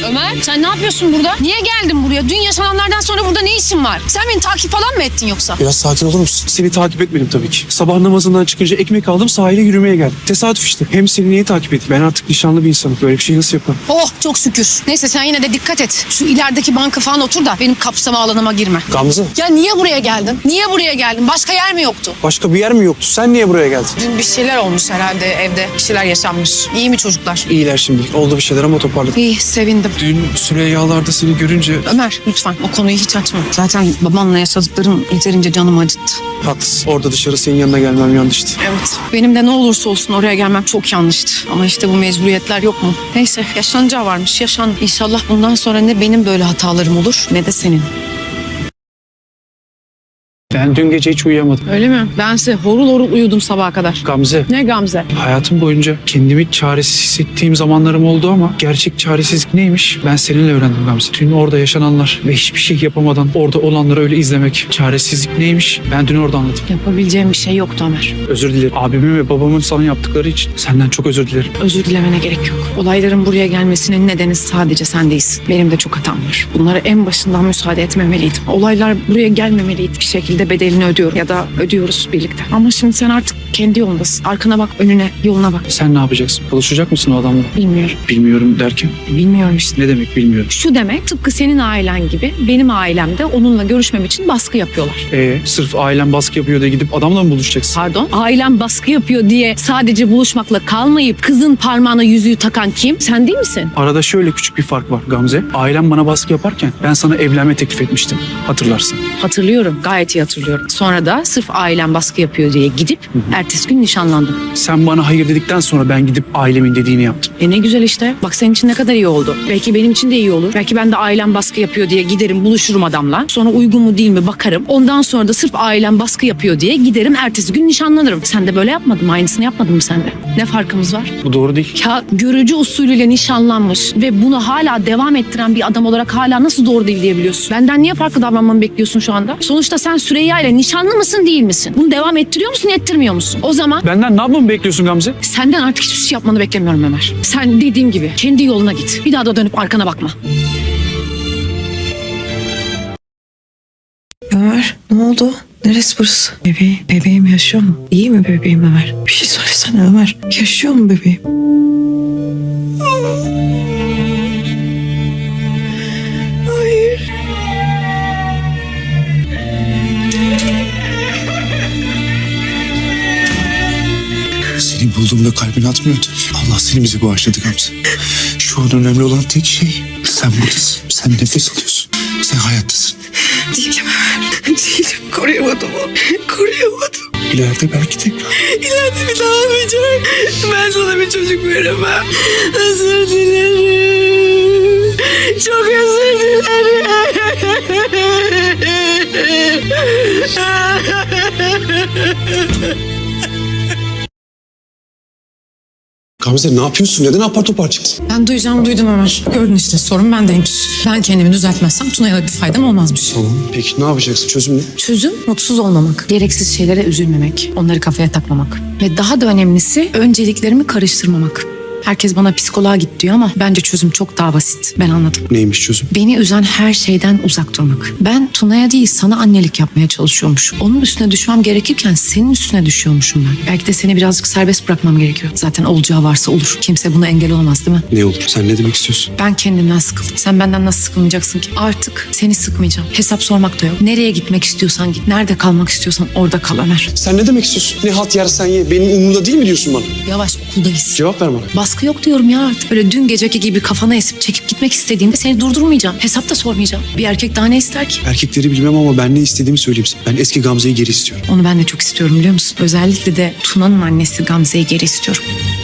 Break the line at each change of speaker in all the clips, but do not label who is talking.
Ömer sen ne yapıyorsun burada? Niye geldin buraya? Dün yaşananlardan sonra burada ne işin var? Sen beni takip falan mı ettin yoksa?
Biraz sakin olur musun? Seni takip etmedim tabii ki. Sabah namazından çıkınca ekmek aldım, sahile yürümeye geldim. Tesadüf işte. Hem seni niye takip edeyim? Ben artık nişanlı bir insanım. Böyle bir şey nasıl yaparım?
Oh çok şükür. Neyse sen yine de dikkat et. Şu ilerideki banka falan otur da benim kapsama alanıma girme.
Gamze,
Ya niye buraya geldin? Niye buraya geldin? Başka yer mi yoktu?
başka bir yer mi yoktu? Sen niye buraya geldin?
Dün bir şeyler olmuş herhalde evde. Bir şeyler yaşanmış. İyi mi çocuklar?
İyiler şimdilik. Oldu bir şeyler ama toparladık.
İyi sevindim.
Dün Süreyyalar'da seni görünce...
Ömer lütfen o konuyu hiç açma. Zaten babanla yaşadıklarım yeterince canımı acıttı.
Haklısın. Orada dışarı senin yanına gelmem yanlıştı.
Evet. Benim de ne olursa olsun oraya gelmem çok yanlıştı. Ama işte bu mecburiyetler yok mu? Neyse yaşanacağı varmış. Yaşan. İnşallah bundan sonra ne benim böyle hatalarım olur ne de senin.
Ben dün gece hiç uyuyamadım.
Öyle mi? Bense horul horul uyudum sabaha kadar.
Gamze,
Ne Gamze?
hayatım boyunca kendimi çaresiz hissettiğim zamanlarım oldu ama gerçek çaresizlik neymiş? Ben seninle öğrendim Gamze. Dün orada yaşananlar ve hiçbir şey yapamadan orada olanları öyle izlemek. Çaresizlik neymiş? Ben dün orada anladım.
Yapabileceğim bir şey yoktu Ömer.
Özür dilerim. Abimin ve babamın sana yaptıkları için senden çok özür dilerim.
Özür dilemene gerek yok. Olayların buraya gelmesinin nedeni sadece sen değilsin. Benim de çok hatam var. Bunlara en başından müsaade etmemeliydim. Olaylar buraya gelmemeliydi. Bir şekilde bedelini ödüyorum ya da ödüyoruz birlikte. Ama şimdi sen artık kendi yolundasın. Arkana bak, önüne, yoluna bak.
Sen ne yapacaksın? Buluşacak mısın o adamla?
Bilmiyorum.
Bilmiyorum derken?
Bilmiyorum işte.
Ne demek bilmiyorum.
Şu demek tıpkı senin ailen gibi benim ailemde onunla görüşmem için baskı yapıyorlar.
Sırf ailem baskı yapıyor diye gidip adamla mı buluşacaksın?
Pardon? Ailem baskı yapıyor diye sadece buluşmakla kalmayıp kızın parmağına yüzüğü takan kim? Sen değil misin?
Arada şöyle küçük bir fark var Gamze. Ailem bana baskı yaparken ben sana evlenme teklif etmiştim. Hatırlarsın.
Hatırlıyorum. Gayet iyi hatırlıyorum. Sonra da sırf ailem baskı yapıyor diye gidip ertesi gün nişanlandım.
Sen bana hayır dedikten sonra ben gidip ailemin dediğini yaptım.
Ne güzel işte. Bak senin için ne kadar iyi oldu. Belki benim için de iyi olur. Belki ben de ailem baskı yapıyor diye giderim buluşurum adamla. Sonra uygun mu değil mi bakarım. Ondan sonra da sırf ailem baskı yapıyor diye giderim ertesi gün nişanlanırım. Sen de böyle yapmadın mı? Aynısını yapmadın mı sen de? Ne farkımız var?
Bu doğru değil.
Ya görücü usulüyle nişanlanmış ve bunu hala devam ettiren bir adam olarak hala nasıl doğru değil diyebiliyorsun? Benden niye farklı davranmamı bekliyorsun şu anda? Sonuçta sen Süreyya ile nişanlı mısın değil misin? Bunu devam ettiriyor musun ettirmiyor musun? O zaman
Benden ne yapmamı bekliyorsun Gamze?
senden artık hiçbir şey yapmanı beklemiyorum Ömer. Sen dediğim gibi kendi yoluna git. Bir daha da dönüp arkana bakma.
Ömer ne oldu? Neresi burası? Bebeğim yaşıyor mu? İyi mi bebeğim Ömer? Bir şey söylesene Ömer. Yaşıyor mu bebeğim? Hayır.
Seni bulduğumda kalbin atmıyordu. Allah seni bize bağışladı Gamze. Şu an önemli olan tek şey sen buradasın. Sen nefes alıyorsun. Sen hayattasın.
Değilim Ömer. Değilim. Koruyamadım onu. Koruyamadım.
İleride belki tekrar.
İleride bir daha olmayacak. Ben sana bir çocuk veremem. Özür dilerim. Çok özür dilerim.
Gamze ne yapıyorsun? Neden apar topar çıktın?
Ben duydum Ömer. Gördün işte sorun bendeymiş. Ben kendimi düzeltmezsem Tuna'ya da bir faydam olmazmış.
Tamam. Peki ne yapacaksın? Çözüm ne?
Çözüm mutsuz olmamak.
Gereksiz şeylere üzülmemek, onları kafaya takmamak. Ve daha da önemlisi önceliklerimi karıştırmamak. Herkes bana psikoloğa git diyor ama bence çözüm çok daha basit. Ben anladım.
Neymiş çözüm?
Beni üzen her şeyden uzak durmak. Ben Tuna'ya değil sana annelik yapmaya çalışıyormuşum. Onun üstüne düşmem gerekirken senin üstüne düşüyormuşum ben. Belki de seni birazcık serbest bırakmam gerekiyor. Zaten olacağı varsa olur. Kimse buna engel olamaz değil mi?
Ne olur? Sen ne demek istiyorsun?
Ben kendimden sıkıldım. Sen benden nasıl sıkılmayacaksın ki? Artık seni sıkmayacağım. Hesap sormak da yok. Nereye gitmek istiyorsan git. Nerede kalmak istiyorsan orada kal Ömer.
Sen ne demek istiyorsun? Ne halt yersen ye. Benim umurumda değil mi diyorsun bana?
Yavaş okuldayız.
Cevap ver bana.
Baskı yok diyorum ya artık. Öyle dün geceki gibi kafana esip çekip gitmek istediğimde seni durdurmayacağım. Hesap da sormayacağım. Bir erkek daha ne ister ki?
Erkekleri bilmem ama ben ne istediğimi söyleyeyim sana. Ben eski Gamze'yi geri istiyorum.
Onu ben de çok istiyorum biliyor musun? Özellikle de Tuna'nın annesi Gamze'yi geri istiyorum.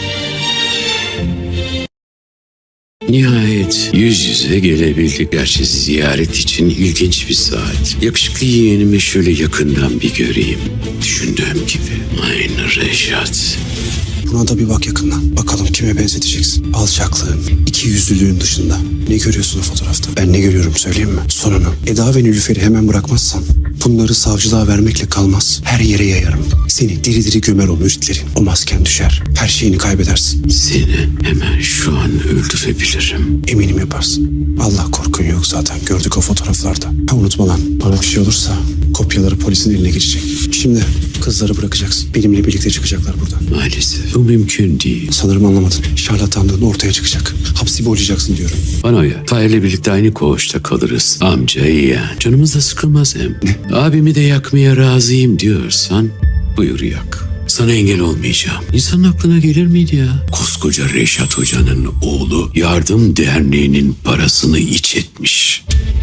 Nihayet yüz yüze gelebildik. Gerçi ziyaret için ilginç bir saat. Yakışıklı yeğenimi şöyle yakından bir göreyim. Düşündüğüm gibi. Aynı Reşat.
Buna da bir bak yakından. Bakalım kime benzeteceksin. Alçaklığın, ikiyüzlülüğün dışında. Ne görüyorsun o fotoğrafta? Ben ne görüyorum söyleyeyim mi? Sonunu. Eda ve Nilüfer'i hemen bırakmazsan bunları savcılığa vermekle kalmaz. Her yere yayarım. Seni diri diri gömer o müritlerin. O masken düşer. Her şeyini kaybedersin.
Seni hemen şu an öldürebilirim.
Eminim yaparsın. Allah korkun yok zaten. Gördük o fotoğraflarda. Ha unutma lan. Bana bir şey olursa kopyaları polisin eline geçecek. Şimdi kızları bırakacaksın. Benimle birlikte çıkacaklar buradan.
Maalesef bu mümkün değil.
Sanırım anlamadın. Şarlatanlığın ortaya çıkacak. Hapsi boylayacaksın diyorum.
Bana uyar. Tahir'le birlikte aynı koğuşta kalırız. Amca yeğen. Canımız da sıkılmaz hem. Abimi de yakmaya razıyım diyorsan buyur yak. Sana engel olmayacağım. İnsanın aklına gelir miydi ya? Koskoca Reşat Hoca'nın oğlu Yardım Derneği'nin parasını iç etmiş.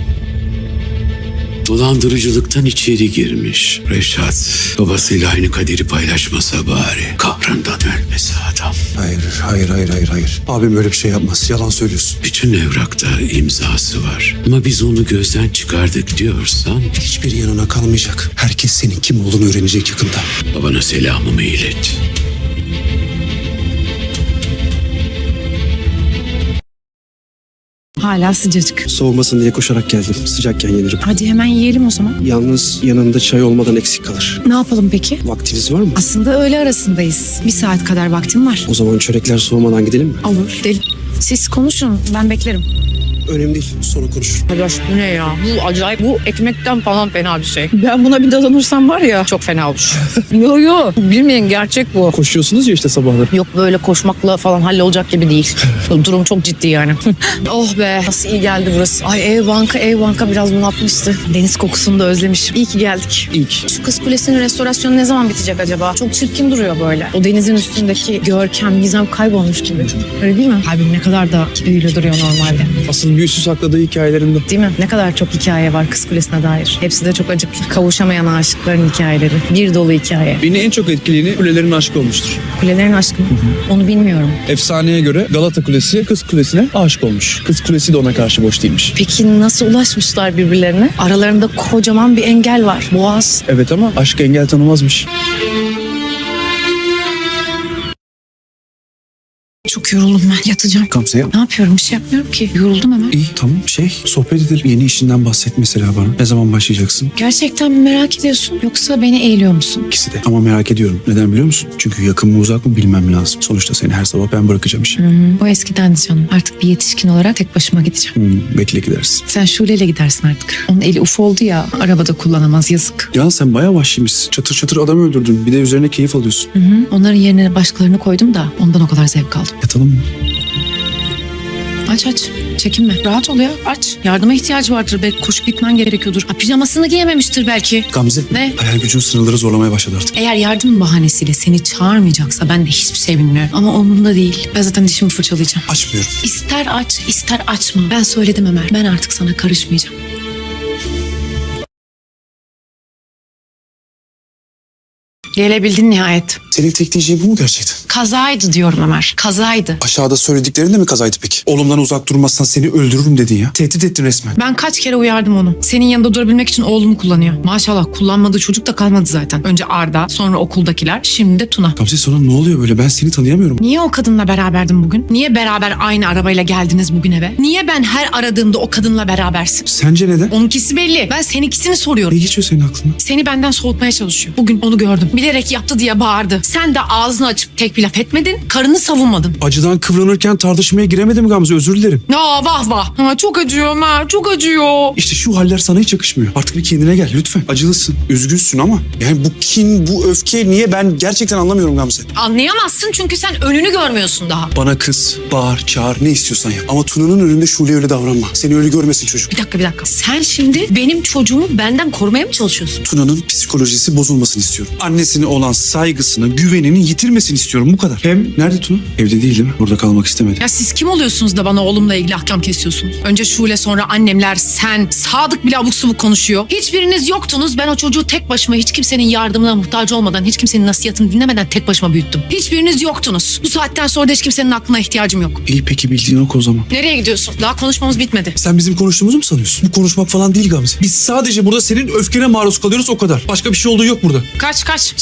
Dolandırıcılıktan içeri girmiş. Reşat babasıyla aynı kaderi paylaşmasa bari. Kahrından ölmesi adam.
Hayır. Abim öyle bir şey yapmaz. Yalan söylüyorsun.
Bütün evrakta imzası var. Ama biz onu gözden çıkardık diyorsan
Hiçbir yanına kalmayacak. Herkes senin kim olduğunu öğrenecek yakında.
babana selamımı ilet.
Hala sıcacık.
Soğumasın diye koşarak geldim. Sıcakken yenirim.
Hadi hemen yiyelim o zaman.
Yalnız yanında çay olmadan eksik kalır.
Ne yapalım peki?
Vaktiniz var mı?
Aslında öğle arasındayız. 1 saat kadar vaktim var.
O zaman çörekler soğumadan gidelim mi?
Olur. Siz konuşun, ben beklerim.
Önemli değil. Sonra konuşuruz.
Arkadaş bu ne ya? Bu acayip. Bu ekmekten falan fena bir şey. Ben buna bir dadanırsam var ya çok fena olur. yo bilmeyin gerçek bu.
Koşuyorsunuz ya işte sabahları.
Yok böyle koşmakla falan hallolacak gibi değil. Durum çok ciddi yani. Oh be nasıl iyi geldi burası. Ay ev banka biraz bunaltmıştı. Deniz kokusunu da özlemişim. İyi ki geldik.
İlk.
Şu Kız Kulesi'nin restorasyonu ne zaman bitecek acaba? Çok çirkin duruyor böyle. O denizin üstündeki görkem, gizem kaybolmuş gibi. Öyle değil mi? Kalbim ne kadar da büyülü duruyor normalde.
Asıl büyüsü sakladığı hikayelerinde.
Değil mi? Ne kadar çok hikaye var Kız Kulesi'ne dair. Hepsi de çok acıklı. Kavuşamayan aşıkların hikayeleri. Bir dolu hikaye.
Beni en çok etkileyeni kulelerin aşkı olmuştur.
Kulelerin aşkı mı? Onu bilmiyorum.
Efsaneye göre Galata Kulesi Kız Kulesi'ne aşık olmuş. Kız Kulesi de ona karşı boş değilmiş.
Peki nasıl ulaşmışlar birbirlerine? Aralarında kocaman bir engel var. Boğaz.
Evet ama aşk engel tanımazmış.
Çok yoruldum ben. Yatacağım.
Gamze yap.
Ne yapıyorum? Bir şey yapmıyorum ki. Yoruldum hemen.
İyi tamam sohbet edelim. Yeni işinden bahset mesela bana. Ne zaman başlayacaksın?
Gerçekten mi merak ediyorsun? Yoksa beni eğiliyor musun?
İkisi de. Ama merak ediyorum. Neden biliyor musun? Çünkü yakın mı uzak mı bilmem lazım. Sonuçta seni her sabah ben bırakacağım işe.
O eskiden canım. Artık bir yetişkin olarak tek başıma gideceğim.
Bekle gidersin.
Sen Şule'yle gidersin artık. Onun eli uf oldu ya. Arabada kullanamaz yazık.
Ya sen bayağı vahşiymişsin. Çatır çatır adam öldürdün. Bir de üzerine keyif alıyorsun.
Onların yerine başkalarını koydum da ondan o kadar zevk aldım.
Yatalım mı?
Aç. Çekinme. Rahat ol ya. Aç. Yardıma ihtiyacı vardır. Belki koşup gitmen gerekiyordur. Pijamasını giyememiştir belki.
Gamze.
Ne?
Hayal gücün sınırları zorlamaya başladı artık.
Eğer yardım bahanesiyle seni çağırmayacaksa ben de hiçbir şey bilmiyorum. Ama umurumda değil. Ben zaten dişimi fırçalayacağım.
Açmıyorum.
İster aç, ister açma. Ben söyledim Ömer. Ben artık sana karışmayacağım. Gelebildin nihayet.
Senin tek diyeceğin bu mu gerçekten?
Kazaydı diyorum Ömer. Kazaydı.
Aşağıda söylediklerin de mi kazaydı peki? Oğlumdan uzak durmazsan seni öldürürüm dedin ya. Tehdit ettin resmen.
Ben kaç kere uyardım onu. Senin yanında durabilmek için oğlumu kullanıyor. Maşallah kullanmadığı çocuk da kalmadı zaten. Önce Arda, sonra okuldakiler, şimdi de Tuna.
Gamze sana ne oluyor böyle? Ben seni tanıyamıyorum.
Niye o kadınla beraberdin bugün? Niye beraber aynı arabayla geldiniz bugün eve? Niye ben her aradığımda o kadınla berabersin?
Sence neden?
Onunkisi belli. Ben seninkisini soruyorum.
Ne geçiyor senin aklına?
Seni benden soğutmaya çalışıyor. Bugün onu gördüm. Bilerek yaptı diye bağırdı. Sen de ağzını açıp tek bir laf etmedin. Karını savunmadın.
Acıdan kıvranırken tartışmaya giremedim Gamze, özür dilerim.
Aa vah vah. Ama çok acıyor Ömer. Çok acıyor.
İşte şu haller sana hiç yakışmıyor. Artık bir kendine gel lütfen. Acılısın, üzgünsün ama yani bu kin, bu öfke niye, ben gerçekten anlamıyorum Gamze.
Anlayamazsın çünkü sen önünü görmüyorsun daha.
Bana kız, bağır, çağır, ne istiyorsan yap. Ama Tuna'nın önünde Şule'ye öyle davranma. Seni öyle görmesin çocuk.
Bir dakika. Sen şimdi benim çocuğumu benden korumaya mı çalışıyorsun?
Tuna'nın psikolojisi bozulmasını istiyorum. Annesine olan saygısını, güvenini yitirmesini istiyorum, bu kadar. Hem nerede Tuna? Evde değil mi? Burada kalmak istemedi.
Ya siz kim oluyorsunuz da bana oğlumla ilgili ahkam kesiyorsunuz? Önce Şule, sonra annemler, sen, Sadık bile abuk subuk konuşuyor. Hiçbiriniz yoktunuz. Ben o çocuğu tek başıma, hiç kimsenin yardımına muhtaç olmadan, hiç kimsenin nasihatini dinlemeden tek başıma büyüttüm. Hiçbiriniz yoktunuz. Bu saatten sonra da hiç kimsenin aklına ihtiyacım yok.
İyi peki, bildiğin o zaman.
Nereye gidiyorsun? Daha konuşmamız bitmedi.
Sen bizim konuştuğumuzu mu sanıyorsun? Bu konuşmak falan değil Gamze. Biz sadece burada senin öfkene maruz kalıyoruz, o kadar. Başka bir şey olduğu yok burada.
Kaç.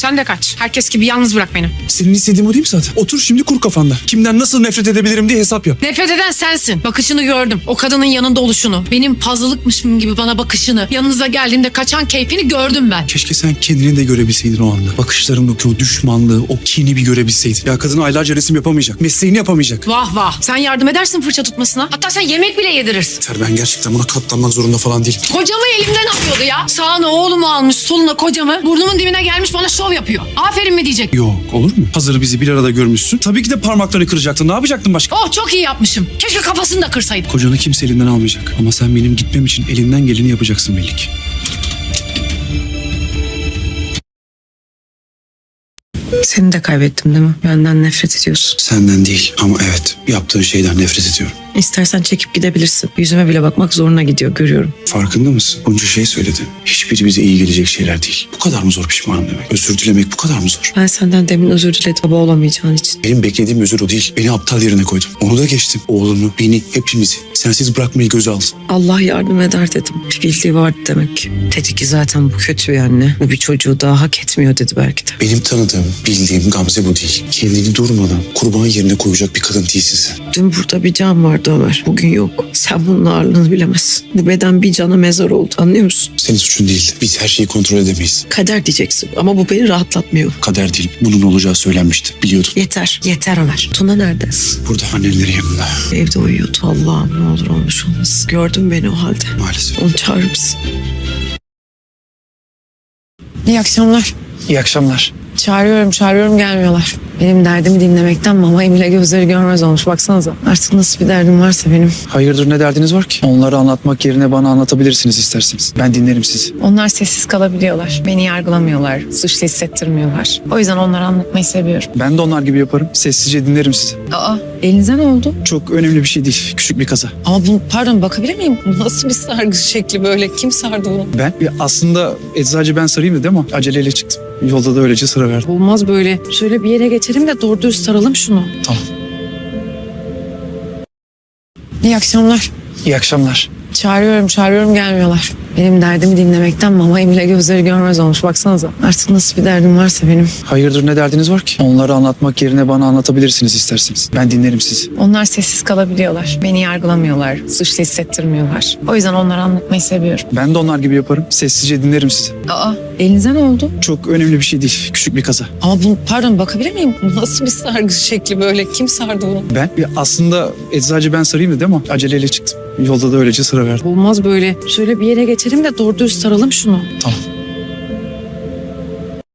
Sen de kaç. Herkes gibi yalnız bırak beni.
Senin istediğin o değil mi zaten? Otur şimdi kur kafanda. Kimden nasıl nefret edebilirim diye hesap yap.
Nefret eden sensin. Bakışını gördüm. O kadının yanında oluşunu. Benim puzzle'lıkmışım gibi bana bakışını. Yanınıza geldiğimde kaçan keyfini gördüm ben.
Keşke sen kendini de görebilseydin o anda. Bakışlarındaki o düşmanlığı, o kini bir görebilseydin. Ya kadın aylarca resim yapamayacak. Mesleğini yapamayacak.
Vah vah. Sen yardım edersin fırça tutmasına. Hatta sen yemek bile yedirirsin.
Yeter, ben gerçekten buna katlanmak zorunda falan değilim.
Kocamı elimden alıyordu ya. Sağına oğlumu almış, soluna kocamı. Burnumun dibine gelmiş bana şov yapıyor. Aferin mi diyecek?
Yok, olur mu? Hazır bizi bir arada görmüşsün. Tabii ki de parmaklarını kıracaktın. Ne yapacaktın başka?
Oh çok iyi yapmışım. Keşke kafasını da kırsaydım.
Kocanı kimse elinden almayacak. Ama sen benim gitmem için elinden geleni yapacaksın belli ki.
Seni de kaybettim değil mi? Benden nefret ediyorsun.
Senden değil ama evet, yaptığın şeyden nefret ediyorum.
İstersen çekip gidebilirsin. Yüzüme bile bakmak zoruna gidiyor, görüyorum.
Farkında mısın? Bunca şey söyledin. Hiçbiri bize iyi gelecek şeyler değil. Bu kadar mı zor pişmanım demek? Özür dilemek bu kadar mı zor?
Ben senden demin özür diledim baba olamayacağın için.
Benim beklediğim özür o değil. Beni aptal yerine koydun. Onu da geçtim. Oğlunu, beni, hepimizi sensiz bırakmayı göze aldın.
Allah yardım eder dedim. Bir bildiği vardı demek ki. Dedi ki zaten bu kötü yani. Bu bir çocuğu daha hak etmiyor dedi belki de.
Benim tanıdığım, bildiğim Gamze bu değil. Kendini durmadan kurban yerine koyacak bir kadın değilsin sen.
Dün burada bir can vardı Ömer. Bugün yok. Sen bunun ağırlığını bilemezsin. Bu beden bir cana mezar oldu, anlıyor musun?
Senin suçun değil. Biz her şeyi kontrol edemeyiz.
Kader diyeceksin ama bu beni rahatlatmıyor.
Kader değil. Bunun olacağı söylenmişti. Biliyordun.
Yeter, yeter Ömer. Tuna nerede?
Burada annenlerin yanında.
Evde uyuyordu. Allah'ım ne olur olmuş olmasın. Gördün beni o halde.
Maalesef.
Onu çağırır mısın? İyi akşamlar.
İyi akşamlar.
Çağırıyorum gelmiyorlar. Benim derdimi dinlemekten mama Emile gözleri görmez olmuş. Baksanıza. Artık nasıl bir derdim varsa benim.
Hayırdır, ne derdiniz var ki? Onları anlatmak yerine bana anlatabilirsiniz isterseniz. Ben dinlerim sizi.
Onlar sessiz kalabiliyorlar. Beni yargılamıyorlar. Suçlu hissettirmiyorlar. O yüzden onları anlatmayı seviyorum.
Ben de onlar gibi yaparım. Sessizce dinlerim sizi.
Aa, elinize ne oldu?
Çok önemli bir şey değil. Küçük bir kaza.
Ama bu, pardon bakabilir miyim? Bu nasıl bir sargı şekli böyle? Kim sardı bunu?
Ben aslında eczacı ben sarayım dedi ama aceleyle çıktım. Yolda da öylece sıra verdim.
Olmaz böyle. Şöyle bir yere geçelim de doğru düz saralım şunu.
Tamam.
İyi akşamlar.
İyi akşamlar.
Çağırıyorum gelmiyorlar. Benim derdimi dinlemekten mama Emile gözleri görmez olmuş. Baksanıza. Artık nasıl bir derdim varsa benim.
Hayırdır, ne derdiniz var ki? Onları anlatmak yerine bana anlatabilirsiniz isterseniz. Ben dinlerim sizi.
Onlar sessiz kalabiliyorlar. Beni yargılamıyorlar. Suçlu hissettirmiyorlar. O yüzden onları anlatmayı seviyorum.
Ben de onlar gibi yaparım. Sessizce dinlerim sizi.
Aa, elinize ne oldu?
Çok önemli bir şey değil. Küçük bir kaza.
Ama bu, pardon bakabilir miyim? Bu nasıl bir sargı şekli böyle? Kim sardı bunu?
Ben aslında eczacı ben sarayım dedi ama aceleyle çıktım. Yolda da öylece sıra verdim.
Olmaz böyle. Şöyle bir yere geçelim de doğru düz saralım şunu.
Tamam.